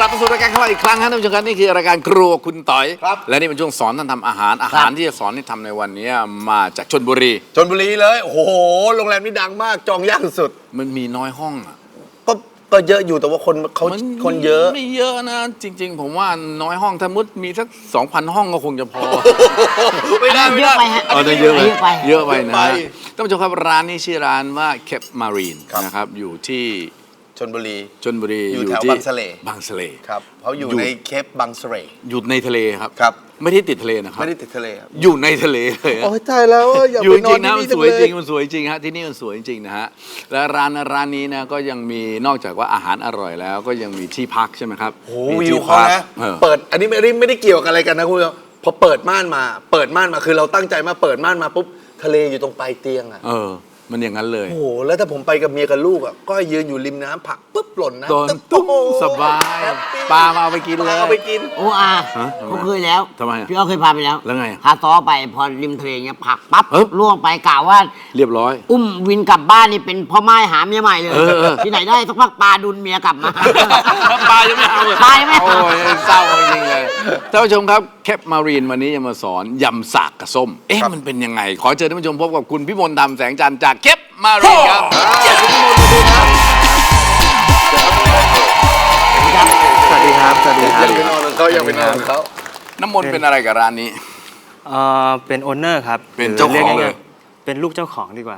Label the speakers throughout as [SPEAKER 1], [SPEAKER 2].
[SPEAKER 1] มาสู่รายการของเราอีกครั้งครับท่านผู้ชมครับนี่คือรายการครัวคุณต่อยและนี่เป็นช่วงสอนท่านทำอาหารที่จะสอนให้ทำในวันนี้มาจากชลบุรี
[SPEAKER 2] เลยโอ้โหโรงแรมนี้ดังมากจองยากสุด
[SPEAKER 1] มันมีน้อยห้องอ่ะ
[SPEAKER 2] ก็เยอะอยู่แต่ว่าคนเยอะ
[SPEAKER 1] ไม่เยอะนะจริงๆผมว่าน้อยห้องถ้ามุดมีสัก 2,000 ห้องก็คงจะพอ
[SPEAKER 2] ไม่ได้
[SPEAKER 3] เยอะไปฮะ
[SPEAKER 1] เยอะไปนะท่านผู้ชมครับร้านนี้ชื่อร้านว่าเคปมารีนนะครับอยู่ที่
[SPEAKER 2] ชลบุรี
[SPEAKER 1] อยู่
[SPEAKER 2] แถวบางสะเลครับเขาอยู่ในเคปบางสะเล
[SPEAKER 1] อยู่ในทะเลครับ ไม่ได้ติดทะเลนะครับ
[SPEAKER 2] ไม่ได้ติดทะเลครับ
[SPEAKER 1] อยู่ในทะเลเลย
[SPEAKER 2] โอ้ยตายแล้วอยากไปนอนที่นี่
[SPEAKER 1] มันสวยจริงมันสวยจริงฮะที่นี่มันสวยจริงนะฮะและร้านนี้นะก็ยังมีนอกจากว่าอาหารอร่อยแล้วก็ยังมีที่พักใช่ไหมครับ
[SPEAKER 2] โอ้วิวเขานะเปิดอันนี้ไม่ได้เกี่ยวกับอะไรกันนะคุณพอเปิดม่านมาคือเราตั้งใจมาเปิดม่านมาปุ๊บทะเลอยู่ตรงปลายเตียงอ่ะ
[SPEAKER 1] มันอย่างนั้นเลย
[SPEAKER 2] โอ้โหแล้วถ้าผมไปกับเมียกับลูกอ่ะก็ยืนอยู่ริมน้ำผักปุ๊บหล่นนะ
[SPEAKER 1] ตุ้มสบายปลามาเอาไปกินเลย
[SPEAKER 2] เอาไปกิน
[SPEAKER 3] โอ้ผมเคยแล้ว
[SPEAKER 1] ทำไม
[SPEAKER 3] พี่อ้อเคยพาไปแล้ว
[SPEAKER 1] แล้วไง
[SPEAKER 3] พาซ้อไปพอริมทะเลเงี้ยผักปั๊บล่วงไปกล่าวว่า
[SPEAKER 1] เรียบร้อย
[SPEAKER 3] อุ้มวินกลับบ้านนี่เป็นพ่อไม้หาเมียใหม่เลยที่ไหนได้สักพักปลาดุนเมียกลับมา
[SPEAKER 1] ปลายังไม่เอาเลย
[SPEAKER 3] ปลายังไม่เอา
[SPEAKER 1] โอ้ยเศร้าจริงเลยท่านผู้ชมครับเคปมารีนวันนี้จะมาสอนยำสากกระส้มมันเป็นยังไงขอเชิญท่านผู้ชมพบกับคุณพิมลดำแสงจันทร์จากเคปมารีนครับ
[SPEAKER 4] สวัสดีครับ
[SPEAKER 2] ยังเป็นนอนเขา
[SPEAKER 1] น้ำมนต์เป็นอะไรกับร้านนี้
[SPEAKER 4] เป็นโอนเนอร์ครับ
[SPEAKER 1] เป็นเจ้าของเลย
[SPEAKER 4] เป็นลูกเจ้าของดีกว่า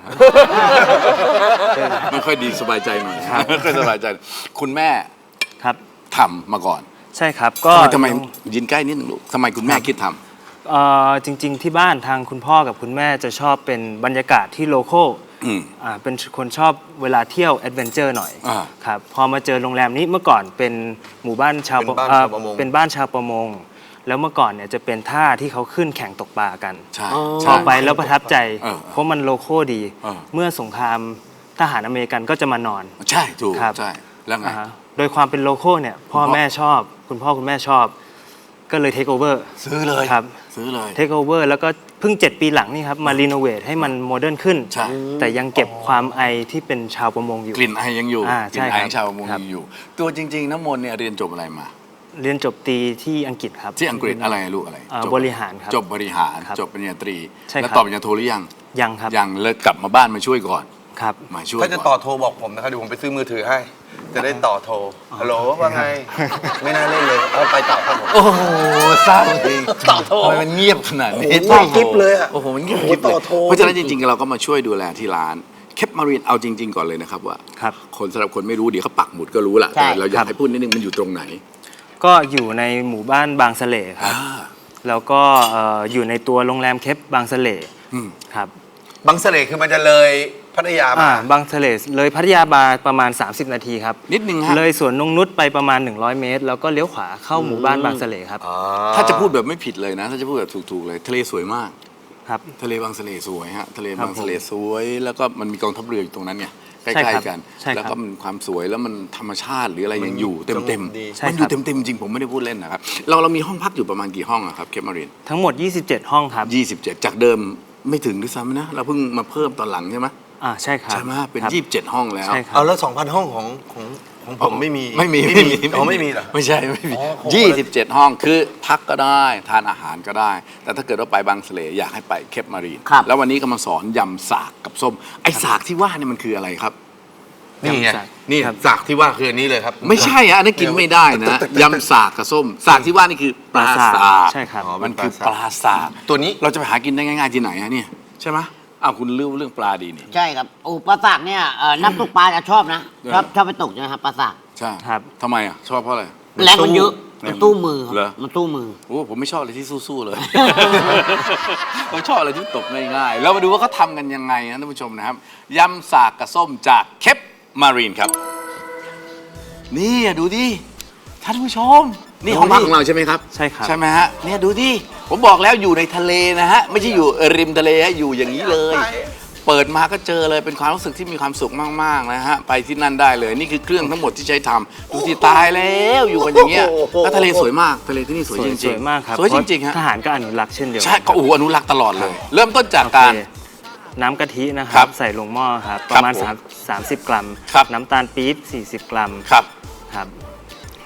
[SPEAKER 1] ไม่ค่อยดีสบายใจหน่อยไม่ค่อยสบายใจคุณแม่
[SPEAKER 4] ครับ
[SPEAKER 1] ทำมาก่อน
[SPEAKER 4] ใช่ครับก็
[SPEAKER 1] ทำไมยินใกล้นิดนึงลูกทำไมคุณแม่คิดท
[SPEAKER 4] ำจริงๆที่บ้านทางคุณพ่อกับคุณแม่จะชอบเป็นบรรยากาศที่โลคอลเป็นคนชอบเวลาเที่ยวแอดเวนเจอร์หน่อยครับพอมาเจอโรงแรมนี้เมื่อก่อนเป็นหมู่บ้านชาวเป็นบ้านชาวประมงแล้วเมื่อก่อนเนี่ยจะเป็นท่าที่เขาขึ้นแข่งตกปลากันพอไปแล้วประทับใจเพราะมันโลคอลดีเมื่อสงครามทหารอเมริกันก็จะมานอน
[SPEAKER 1] ใช่ถูกใช่แล้วไง
[SPEAKER 4] โดยความเป็นโลคอลเนี่ยพ่อแม่ชอบคุณพ่อคุณแม่ชอบก็เลยเทคโอเวอร์
[SPEAKER 1] ซื้อเลย
[SPEAKER 4] ครับ
[SPEAKER 1] ซื้อเลย
[SPEAKER 4] เทคโอเวอร์แล้วก็เพิ่ง7 ปีหลังนี่ครับมารีโนเวทให้มันโมเดิร์นขึ้นแต่ยังเก็บความไอที่เป็นชาวประมงอยู่
[SPEAKER 1] กลิ่นไอยังอยู่
[SPEAKER 4] กลิ่นไอ
[SPEAKER 1] ชาวประมงยังอยู่ตัวจริงๆน้ำมนต์เนี่ยเรียนจบอะไรมา
[SPEAKER 4] เรียนจบตรีที่อังกฤษครับ
[SPEAKER 1] ที่อังกฤษอะไรลูกอะไร
[SPEAKER 4] บริหารครับ
[SPEAKER 1] จบบริหารจบปริญญาตรีแล้วต่อปริญญาโทหรือ
[SPEAKER 4] ยังครับ
[SPEAKER 1] ยังเลยกลับมาบ้านมาช่วยก่อน
[SPEAKER 4] ครับ
[SPEAKER 1] มาช่วย
[SPEAKER 2] ถ้าจะต่อโทรบอกผมนะครับเดี๋ยวผมไปซื้อมือถือให้จะได้ต่อโทรฮัลโหลว่าไงไม่น่าเล่นเลยเอาไปต่อครับผม
[SPEAKER 1] โอ้โหเศร้าจริงต่อโทรมันเงียบขนาดนี้
[SPEAKER 2] ต่อคลิปเลยอ่ะ
[SPEAKER 1] โอ้โหมันเงียบคลิปเลยเพราะฉะนั้นจริงๆเราก็มาช่วยดูแลที่ร้านเคปมารีนเอาจริงๆก่อนเลยนะครับว่าคนสำหรับคนไม่รู้เดี๋ยวเขาปักหมุดก็รู้แหละแต่เราอยากให้พูดนิดนึงมันอยู่ตรงไหน
[SPEAKER 4] ก็อยู่ในหมู่บ้านบางสะเลครับแล้วก็อยู่ในตัวโรงแรมเคปบางสะเลครับ
[SPEAKER 2] บางสะเลคือมันจะเลยพัทยา
[SPEAKER 4] บางสะเลเลยพัทยาบาประมาณ30 นาทีครับ
[SPEAKER 1] นิดนึงฮะ
[SPEAKER 4] เลยสวนนงนุชไปประมาณ100 เมตรแล้วก็เลี้ยวขวาเข้าหมู่บ้านบางสะเลครับ
[SPEAKER 1] ถ้าจะพูดแบบไม่ผิดเลยนะถ้าจะพูดแบบถูกๆเลยทะเลสวยมาก
[SPEAKER 4] ครับ
[SPEAKER 1] ทะเลบางสะเลสวยฮะทะเลบางสะเลสวยแล้วก็มันมีกองทัพเรืออยู่ตรงนั้นเนี่ยใกล้ๆกันแล้วก็มันความสวยแล้วมันธรรมชาติหรืออะไรยังอยู่เต็มมันอยู่เต็มจริงผมไม่ได้พูดเล่นนะครับเรามีห้องพักอยู่ประมาณกี่ห้องครับเคปมารีน
[SPEAKER 4] ทั้งหมด27 ห้องครับ
[SPEAKER 1] 27จากเดิมไม่ถึงด้วยซ้ำนะเราเพิ่งมาเพิ่มตอนหลังใช่ไหม
[SPEAKER 4] ใช่ครับ
[SPEAKER 1] ใช่ไหมเป็น27 ห้องแล้ว
[SPEAKER 2] เอาแล้ว 2,000 ห้องของผมไม่มีเหรอ
[SPEAKER 1] ไม่ใช่ไม่มี27 ห้องคือพักก็ได้ทานอาหารก็ได้แต่ถ้าเกิดว่าไปบางสะเลอยากให้ไปเคปมารีนแล้ววันนี้ก็มาสอนยำสากกับส้มไอ้สากที่ว่าเนี่ยมันคืออะไรครับ
[SPEAKER 2] นี่ไงนี่สากที่ว่าคืออันนี้เลยครับ
[SPEAKER 1] ไม่ใช่อันนั้นกินไม่ได้นะยำสากกับส้มสากที่ว่านี่คือปลาสาก
[SPEAKER 4] ใช่ครับ
[SPEAKER 1] มันคือปลาสาก
[SPEAKER 2] ตัวนี้
[SPEAKER 1] เราจะไปหากินได้ง่ายๆที่ไหนอะเนี่ยใช่ไหมคุณรู้เรื่องปลาดีนี่
[SPEAKER 3] ใช่ครับโอ้ปลาสากเนี่ยนักตกปลาจะชอบนะชอบไปตกนะครับปลาสาก
[SPEAKER 1] ใช่ครับทำไมอ่ะชอบเพราะอะไร
[SPEAKER 3] แรงมันเยอะมันตู้มือมันตู้มือ
[SPEAKER 1] โอ้ผมไม่ชอบอะไรที่สู้ๆเลยผมชอบอะไรที่ตกง่ายๆแล้วมาดูว่าเขาทำกันยังไงนะท่านผู้ชมนะครับยำสากกับส้มจากเคปมารีนครับนี่ดูดิท่านผู้ชมนี่ห้องพักของเราใช่ไหมครับ
[SPEAKER 4] ใช่ครับ
[SPEAKER 1] ใช่ไหมฮะเนี่ยดูดิผมบอกแล้วอยู่ในทะเลนะฮะไม่ใช่อยู่ริมทะเลฮะอยู่อย่างนี้เลยเปิดมาก็เจอเลยเป็นความรู้สึกที่มีความสุขมากๆนะฮะไปที่นั่นได้เลยนี่คือเครื่องทั้งหมดที่ใช้ทำดูสิตายแล้วอยู่กันอย่างเงี้ยแล้วทะเลสวยมากทะเลที่นี่สวยจริงๆ
[SPEAKER 4] สวยมากครับ
[SPEAKER 1] สวยจริงๆฮะ
[SPEAKER 4] ทหารก็อนุรักษ์เช่นเดียวกัน
[SPEAKER 1] ใช่ก็อนุรักษ์ตลอดเลยเริ่มต้นจากการ
[SPEAKER 4] น้ำกะทินะครับใส่ลงหม้อครับประมาณ30 กรัมน้ำตาลปี๊บ40 กรัมครับ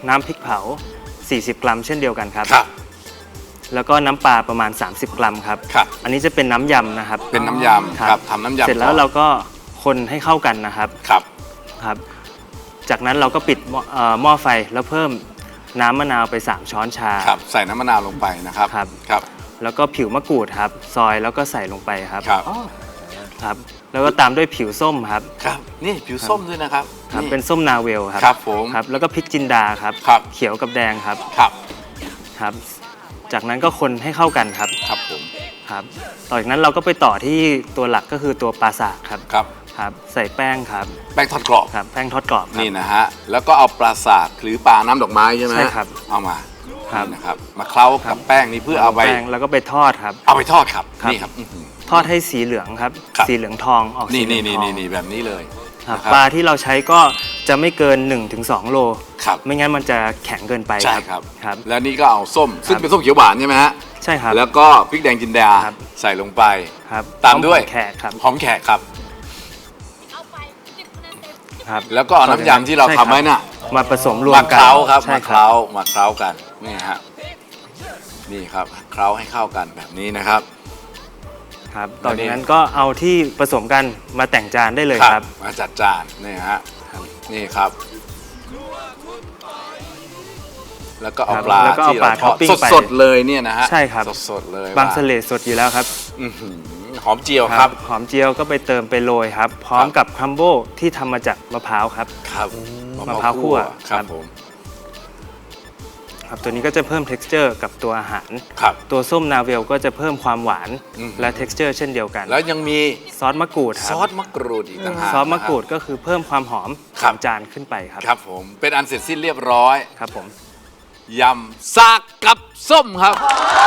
[SPEAKER 4] น้ำพริกเผา 40 กรัมเช่นเดียวกันครับ
[SPEAKER 1] ครับ
[SPEAKER 4] แล้วก็น้ำปลาประมาณ 30 กรัมครับ
[SPEAKER 1] ครับ
[SPEAKER 4] อันนี้จะเป็นน้ำยำนะครับ
[SPEAKER 1] เป็นน้ำยำครับทำน้ำยำ
[SPEAKER 4] เสร็จแล้ว
[SPEAKER 1] ก่อน
[SPEAKER 4] เราก็คนให้เข้ากันนะครับ
[SPEAKER 1] ครับ
[SPEAKER 4] ครับ จากนั้นเราก็ปิดหม้อไฟแล้วเพิ่มน้ำมะนาวไป 3 ช้อนชา
[SPEAKER 1] ครับใส่น้ำมะนาวลงไปนะครับ
[SPEAKER 4] ครับ
[SPEAKER 1] ครับ
[SPEAKER 4] แล้วก็ผิวมะกรูดครับ ซอยแล้วก็ใส่ลงไปครับ
[SPEAKER 1] ครับ
[SPEAKER 4] ครับ แล้วก็ตามด้วยผิวส้มครับ
[SPEAKER 1] ครับนี่ผิวส้มด้วยนะครับ
[SPEAKER 4] ครับ
[SPEAKER 1] นี่
[SPEAKER 4] เป็นส้มนาเวลครับ
[SPEAKER 1] ครับผม
[SPEAKER 4] ครับ แล้วก็พริกจินดาครับ
[SPEAKER 1] ครับ
[SPEAKER 4] เขียวกับแดงครับ
[SPEAKER 1] ครับ
[SPEAKER 4] ครับ จากนั้นก็คนให้เข้ากันครับ
[SPEAKER 1] ครับผม
[SPEAKER 4] ครับ ต่อจากนั้นเราก็ไปต่อที่ตัวหลักก็คือตัวปลาสากครับ
[SPEAKER 1] ครับ
[SPEAKER 4] ครับ ใส่แป้งครับ
[SPEAKER 1] แป้งทอดกรอบ
[SPEAKER 4] ครับ แป้งทอดกรอบครับ
[SPEAKER 1] นี่นะฮะแล้วก็เอาปลาสากหรือปลาน้ำดอกไม้ใช่ไหม
[SPEAKER 4] ใช่ครับ
[SPEAKER 1] เอามา
[SPEAKER 4] ครับ
[SPEAKER 1] นี่นะครับมาเคล้ากับแป้งนี่เพื่อเอาไป
[SPEAKER 4] แป้งแล้วก็ไปทอดครับ
[SPEAKER 1] เอาไปทอดครับ
[SPEAKER 4] ครับ
[SPEAKER 1] นี่ครับอื้อหือ
[SPEAKER 4] ทอดให้สีเหลืองครับ
[SPEAKER 1] ครับ
[SPEAKER 4] สีเหลืองทองออกสี
[SPEAKER 1] นี่
[SPEAKER 4] เหลื
[SPEAKER 1] นี่
[SPEAKER 4] อง
[SPEAKER 1] นี่
[SPEAKER 4] ทอง
[SPEAKER 1] นี่แบบนี้เลย
[SPEAKER 4] ครับ
[SPEAKER 1] นะ
[SPEAKER 4] ปลาที่เราใช้ก็จะไม่เกิน 1-2 โล
[SPEAKER 1] ครับ
[SPEAKER 4] ไม่งั้นมันจะแข็งเกินไป
[SPEAKER 1] ใช่ครับ
[SPEAKER 4] ครับ
[SPEAKER 1] แล้วนี่ก็เอาส้ม ซึ่ง
[SPEAKER 4] ครับ
[SPEAKER 1] เป็นส้มเขียวหวานใช่ไหมฮะ
[SPEAKER 4] ใช่ครับ
[SPEAKER 1] แล้วก็พริกแดงจินดา
[SPEAKER 4] ครับ
[SPEAKER 1] ใส่ลงไป
[SPEAKER 4] ครับ
[SPEAKER 1] ตามด้วย
[SPEAKER 4] หอแขกครับ
[SPEAKER 1] หอมแขกครับ
[SPEAKER 4] ครับ
[SPEAKER 1] แล้วก็เอาน้ำยำที่เรา
[SPEAKER 4] ใช่
[SPEAKER 1] ทำไว้น่ะ
[SPEAKER 4] มาผสมรว
[SPEAKER 1] มาม
[SPEAKER 4] กั
[SPEAKER 1] เคน ล้าครับ
[SPEAKER 4] ใช่
[SPEAKER 1] มาเคล้ามาเคล้ากันนี่ฮะนี่ครับเคล้าให้เข้ากันแบบนี้นะครับ
[SPEAKER 4] ครับต่อจากนั้นก็เอาที่ผสมกันมาแต่งจานได้เลยครับ
[SPEAKER 1] มาจัดจานนี่ฮะนี่ครับ แล้วก็เอา
[SPEAKER 4] ครับ
[SPEAKER 1] ปลา
[SPEAKER 4] แล้วก็เอา
[SPEAKER 1] ที่
[SPEAKER 4] ปลา
[SPEAKER 1] เราท
[SPEAKER 4] ท็อ
[SPEAKER 1] อ
[SPEAKER 4] ป
[SPEAKER 1] ด
[SPEAKER 4] ปิ้งไป
[SPEAKER 1] สดๆเลยเนี่ยนะฮะ
[SPEAKER 4] ใช่ครับ
[SPEAKER 1] สดๆเลย
[SPEAKER 4] บาง
[SPEAKER 1] ว่
[SPEAKER 4] สะเลดสดอยู่แล้วครับ
[SPEAKER 1] อื้อหือหอมเจียวครับ
[SPEAKER 4] หอมเจียวก็ไปเติมไปโรยครับ พร้อมกับครัมโบที่ทำมาจากมะพร้าวครับ
[SPEAKER 1] ครับ
[SPEAKER 4] มะพร้าวคั่ว
[SPEAKER 1] ครับ
[SPEAKER 4] ครับ
[SPEAKER 1] ผม
[SPEAKER 4] ครับตัวนี้ก็จะเพิ่ม texture กับตัวอาหาร
[SPEAKER 1] ครับ
[SPEAKER 4] ตัวส้มนาเวลก็จะเพิ่มความหวาน
[SPEAKER 1] อืม
[SPEAKER 4] และ texture เช่นเดียวกัน
[SPEAKER 1] แล้วยังมี
[SPEAKER 4] ซอสมะกรูดค
[SPEAKER 1] ซ
[SPEAKER 4] รับ
[SPEAKER 1] อสมะกรูดอีกต่างหาก
[SPEAKER 4] ซอสมะกรูดก็คือเพิ่มความหอม
[SPEAKER 1] ครั
[SPEAKER 4] ข
[SPEAKER 1] บ
[SPEAKER 4] องจานขึ้นไปครับ
[SPEAKER 1] ครับผมเป็นอันเสร็จสิ้นเรียบร้อย
[SPEAKER 4] ครับผม
[SPEAKER 1] ยำซากกับส้มครับ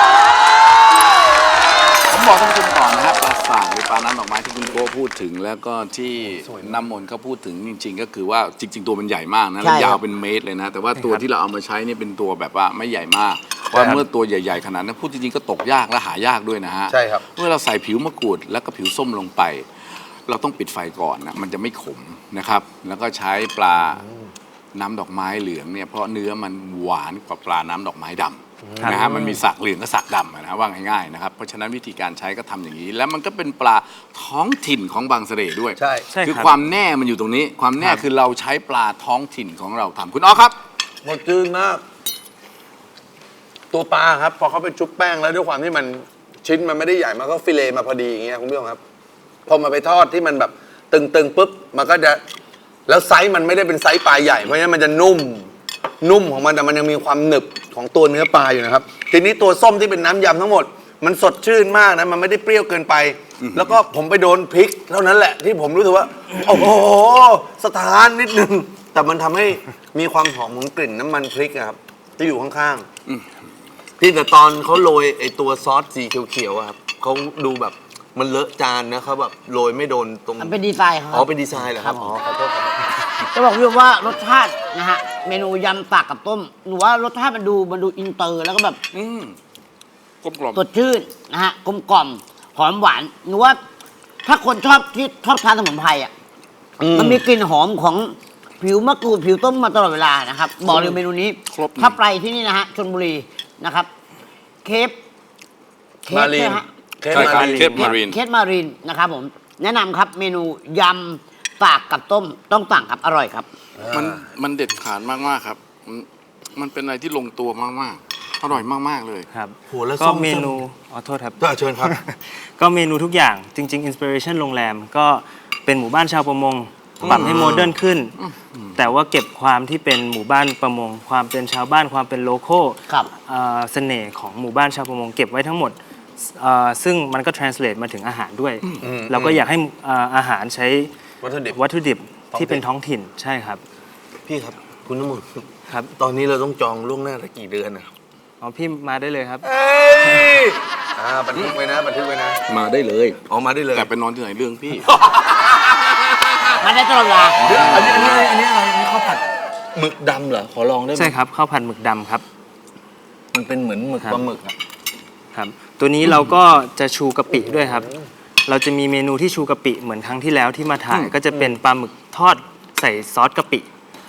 [SPEAKER 1] ผมบอกท่านผู้ชมก่อนนะครับปลาสากหรือปลาน้ำดอกไม้ที่คุณโก้พูดถึง แล้วก็ที่น้ำมนต์เขาพูดถึงจริง ๆ ก็คือว่าจริง ๆ ตัวมันใหญ่มากนะแล้ว
[SPEAKER 3] ใช่ครับ
[SPEAKER 1] ยาวเป็นเมตรเลยนะ แต่ว่าตัวที่เราเอามาใช้เนี่ยเป็นตัวแบบว่าไม่ใหญ่มากเพราะเมื่อตัวใหญ่ๆขนาดนั้นพูดจริงๆก็ตกยากและหายากด้วยนะฮะ
[SPEAKER 2] ใช่ครับ
[SPEAKER 1] เมื่อเราใส่ผิวมะกรูดแล้วก็ผิวส้มลงไป เราต้องปิดไฟก่อนนะมันจะไม่ขมนะครับ แล้วก็ใช้ปลาน้ำดอกไม้เหลืองเนี่ยเพราะเนื้อมันหวานกว่าปลาน้ำดอกไม้ดำนะฮะมันมีสักเหลืองกับสักดำอะนะว่าง่ายๆนะครับเพราะฉะนั้นวิธีการใช้ก็ทำอย่างนี้ แล้วมันก็เป็นปลาท้องถิ่นของบางเสร่ด้วย
[SPEAKER 2] ใช่
[SPEAKER 4] ใช่
[SPEAKER 1] คือ
[SPEAKER 4] ครับ
[SPEAKER 1] ความแน่มันอยู่ตรงนี้ ความแน่คือเราใช้ปลาท้องถิ่นของเราทำคุณอ๋อครับ
[SPEAKER 2] หมดจืดมาก ตัวปลาครับ พอเขาไปชุบแป้งแล้วด้วยความที่มันชิ้นมันไม่ได้ใหญ่มันก็ฟิเลมาพอดีอย่างเงี้ยคุณผู้ชมครับ พอมาไปทอดที่มันแบบตึงๆปุ๊บมันก็จะแล้วไซส์มันไม่ได้เป็นไซส์ปลาใหญ่เพราะฉะนั้นมันจะนุ่มของมันแต่มันยังมีความหนึบของตัวเนื้อปลาอยู่นะครับ ทีนี้ตัวส้มที่เป็นน้ำยำทั้งหมด มันสดชื่นมากนะมันไม่ได้เปรี้ยวเกินไป แล้วก็ผมไปโดนพริกเท่านั้นแหละที่ผมรู้สึกว่า โอ้โหสถานนิดนึงแต่มันทำให้มีความหอมของกลิ่นน้ำมันพริกอะครับที่อยู่ข้างๆที่แต่ตอนเขาโรยไอตัวซอสสีเขียวๆอะครับเขาดูแบบมันเลอะจานนะเขาแบบโรยไม่โดนตรง
[SPEAKER 3] มันเป็นดีไซน์ครับ
[SPEAKER 2] อ๋อเป็นดีไซน์เหรอครับ
[SPEAKER 3] ครับ
[SPEAKER 2] อ๋อขอโทษครับ
[SPEAKER 3] จะบอกพี่ว่ารสชาตินะฮะเมนูยำปากกับต้มหนูว่ารสชาติมันดูอินเตอร์แล้วก็แบบ
[SPEAKER 1] กลมกล่อม
[SPEAKER 3] สดชื่นนะฮะกลมกล่อมหอมหวานหนูว่าถ้าคนชอบที่ชอบทานสมุนไพรอ่ะมันมีกลิ่นหอมของผิวมะกรูดผิวต้มมาตลอดเวลานะครับบอกเลยเมนูนี้
[SPEAKER 1] ครบ
[SPEAKER 3] ถ้าไปที่นี่นะฮะชลบุรีนะครับ เคฟ
[SPEAKER 2] มารีน
[SPEAKER 3] ใช่ไหฮะ
[SPEAKER 2] เคฟ
[SPEAKER 1] ใช่ครับ
[SPEAKER 2] มารีน
[SPEAKER 1] เคฟมารีน
[SPEAKER 3] เคสมารีนนะครับผมแนะนำครับเมนูยำปากกับต้มต้องสั่งครับอร่อยครับ
[SPEAKER 1] มันเด็ดขาดมากๆครับมันเป็นอะไรที่ลงตัวมากๆอร่อยมากๆเลย
[SPEAKER 4] ครับ
[SPEAKER 2] โหแล้ว
[SPEAKER 4] ก็
[SPEAKER 2] ส้ม
[SPEAKER 4] เมนูโทษครับ
[SPEAKER 2] เชิญครับ
[SPEAKER 4] ก็เมนูทุกอย่างจริง ๆ อินสปิเรชันโรงแรมก็เป็นหมู่บ้านชาวประมงปรับให้โมเดิร์นขึ้น แต่ว่าเก็บความที่เป็นหมู่บ้านประมง ความเป็นชาวบ้านความเป็นโลโก้
[SPEAKER 3] ครับ
[SPEAKER 4] เสน่ห์ของหมู่บ้านชาวประมงเก็บไว้ทั้งหมดซึ่งมันก็ translate มาถึงอาหารด้วย เราก็อยากให้อาหารใช้
[SPEAKER 2] วัตถุดิบ
[SPEAKER 4] วัตถุดิบ
[SPEAKER 2] ท้องถิ่น
[SPEAKER 4] ที่เป็นท้องถิ่นใช่ครับ
[SPEAKER 2] พี่ครับ คุณน้ำมนต์
[SPEAKER 4] ครับ
[SPEAKER 2] ตอนนี้เราต้องจองล่วงหน้าละกี่เดือนนะครับ
[SPEAKER 4] อ๋อพี่มาได้เลยครับ
[SPEAKER 2] เอ้ยบันทึกไว้นะบันทึกไว้นะ
[SPEAKER 1] มาได้เลย
[SPEAKER 2] ออกมาได้เลย
[SPEAKER 1] แต่ไปนอนที่ไหนเรื่องพี่
[SPEAKER 3] มาได้ตลอดเวลา
[SPEAKER 2] อันนี้อะไรอันนี้ข้าวผัดหมึกดำเหรอขอลองได้ไหม
[SPEAKER 4] ใช่ครับข้าวผัดหมึกดำครับ
[SPEAKER 2] มันเป็นเหมือนหมึก
[SPEAKER 4] ครับ
[SPEAKER 2] ปลาหมึกอะ
[SPEAKER 4] ครับตัวนี้เราก็จะชูกะปิด้วยครับ เราจะมีเมนูที่ชูกะปิเหมือนครั้งที่แล้วที่มาถ่ายก็จะเป็นปลาหมึกทอดใส่ซอสกะปิ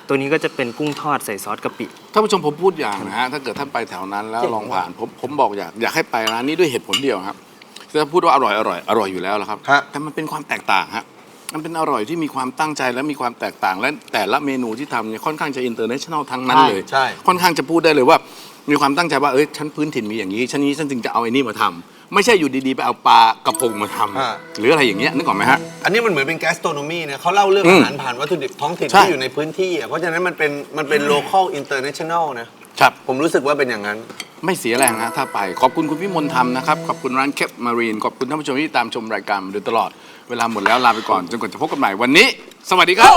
[SPEAKER 4] ตัวนี้ก็จะเป็นกุ้งทอดใส่ซอสกะปิ
[SPEAKER 1] ท่านผู้ชมผมพูดอย่างนะฮะถ้าเกิดท่านไปแถวนั้นแล้วลองผ่านผมบอกอยากให้ไปร้านนี้ด้วยเหตุผลเดียวครับจะพูดว่าอร่อยอยู่แล้วละครับ
[SPEAKER 2] ฮะ
[SPEAKER 1] แต่มันเป็นความแตกต่างฮะมันเป็นอร่อยที่มีความตั้งใจและมีความแตกต่างและแต่ละเมนูที่ทำเนี่ยค่อนข้างจะอินเตอร์เนชั่นแนลทั้งนั้นเลย
[SPEAKER 2] ใช่
[SPEAKER 1] ค่อนข้างจะพูดได้เลยว่ามีความตั้งใจว่าฉันพื้นถิ่นมีอย่างนี้ฉันจึงจะเอาไอ้นี่มาทำไม่ใช่อยู่ดีๆไปเอาปลากระพงมาทำหรืออะไรอย่างเงี้ยนึกออกไหมฮะ
[SPEAKER 2] อันนี้มันเหมือนเป็นแกสโตรโนมีนะเขาเล่าเรื่องอาหารผ่านวัตถุดิบท้องถิ่น
[SPEAKER 1] ใช่
[SPEAKER 2] ที่อยู่ในพื้นที่อะเพราะฉะนั้นมันเป็น local international นะครับ ผมรู้สึกว่าเป็นอย่างนั้น
[SPEAKER 1] ไม่เสียแรงนะถ้าไปขอบคุณคุณพี่มนต์ธรรมนะครับขอบคุณร้านเคปมารีนขอบคุณท่านผู้ชมที่ตามชมรายการมาโดยตลอดเวลาหมดแล้วลาไปก่อนจนกว่าจะพบกันใหม่วันนี้ สวัสดีครับ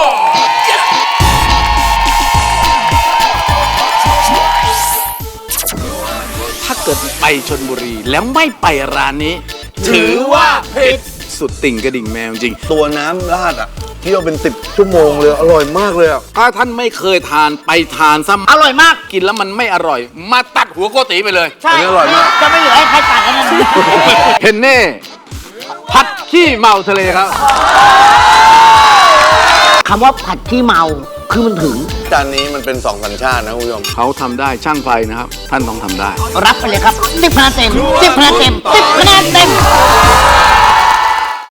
[SPEAKER 1] ถ้าเกิดไปชลบุรีแล้วไม่ไปร้านนี้ ถือว่าผิดสุดติ่งกระดิ่งแมวจริง
[SPEAKER 2] ตัวน้ำราดอ่ะเคี่ยวเป็น10 ชั่วโมงเลยอร่อยมากเลยอ่ะ
[SPEAKER 1] ถ้าท่านไม่เคยทานไปทานซะ
[SPEAKER 3] อร่อยมาก
[SPEAKER 1] กินแล้วมันไม่อร่อย มาตัดหัวโกติไปเลย
[SPEAKER 3] ใช่
[SPEAKER 2] อันนี้อร่อยมาก
[SPEAKER 3] จะไม่เหลือให้ใครตัดแล้วนะ
[SPEAKER 1] เพนเน่ผัดขี้เมาทะเลครับ
[SPEAKER 3] คำว่าผัดขี้เมาคือมันถึง
[SPEAKER 2] จานนี้มันเป็น2 สัญชาตินะคุณผู้ชม
[SPEAKER 1] เขาทำได้ช่างไฟนะครับ ท่านต้องทำได้
[SPEAKER 3] รับไปเลยครับ10 คะแนนเต็ม10 คะแนนเต็ม10 คะแนนเต็ม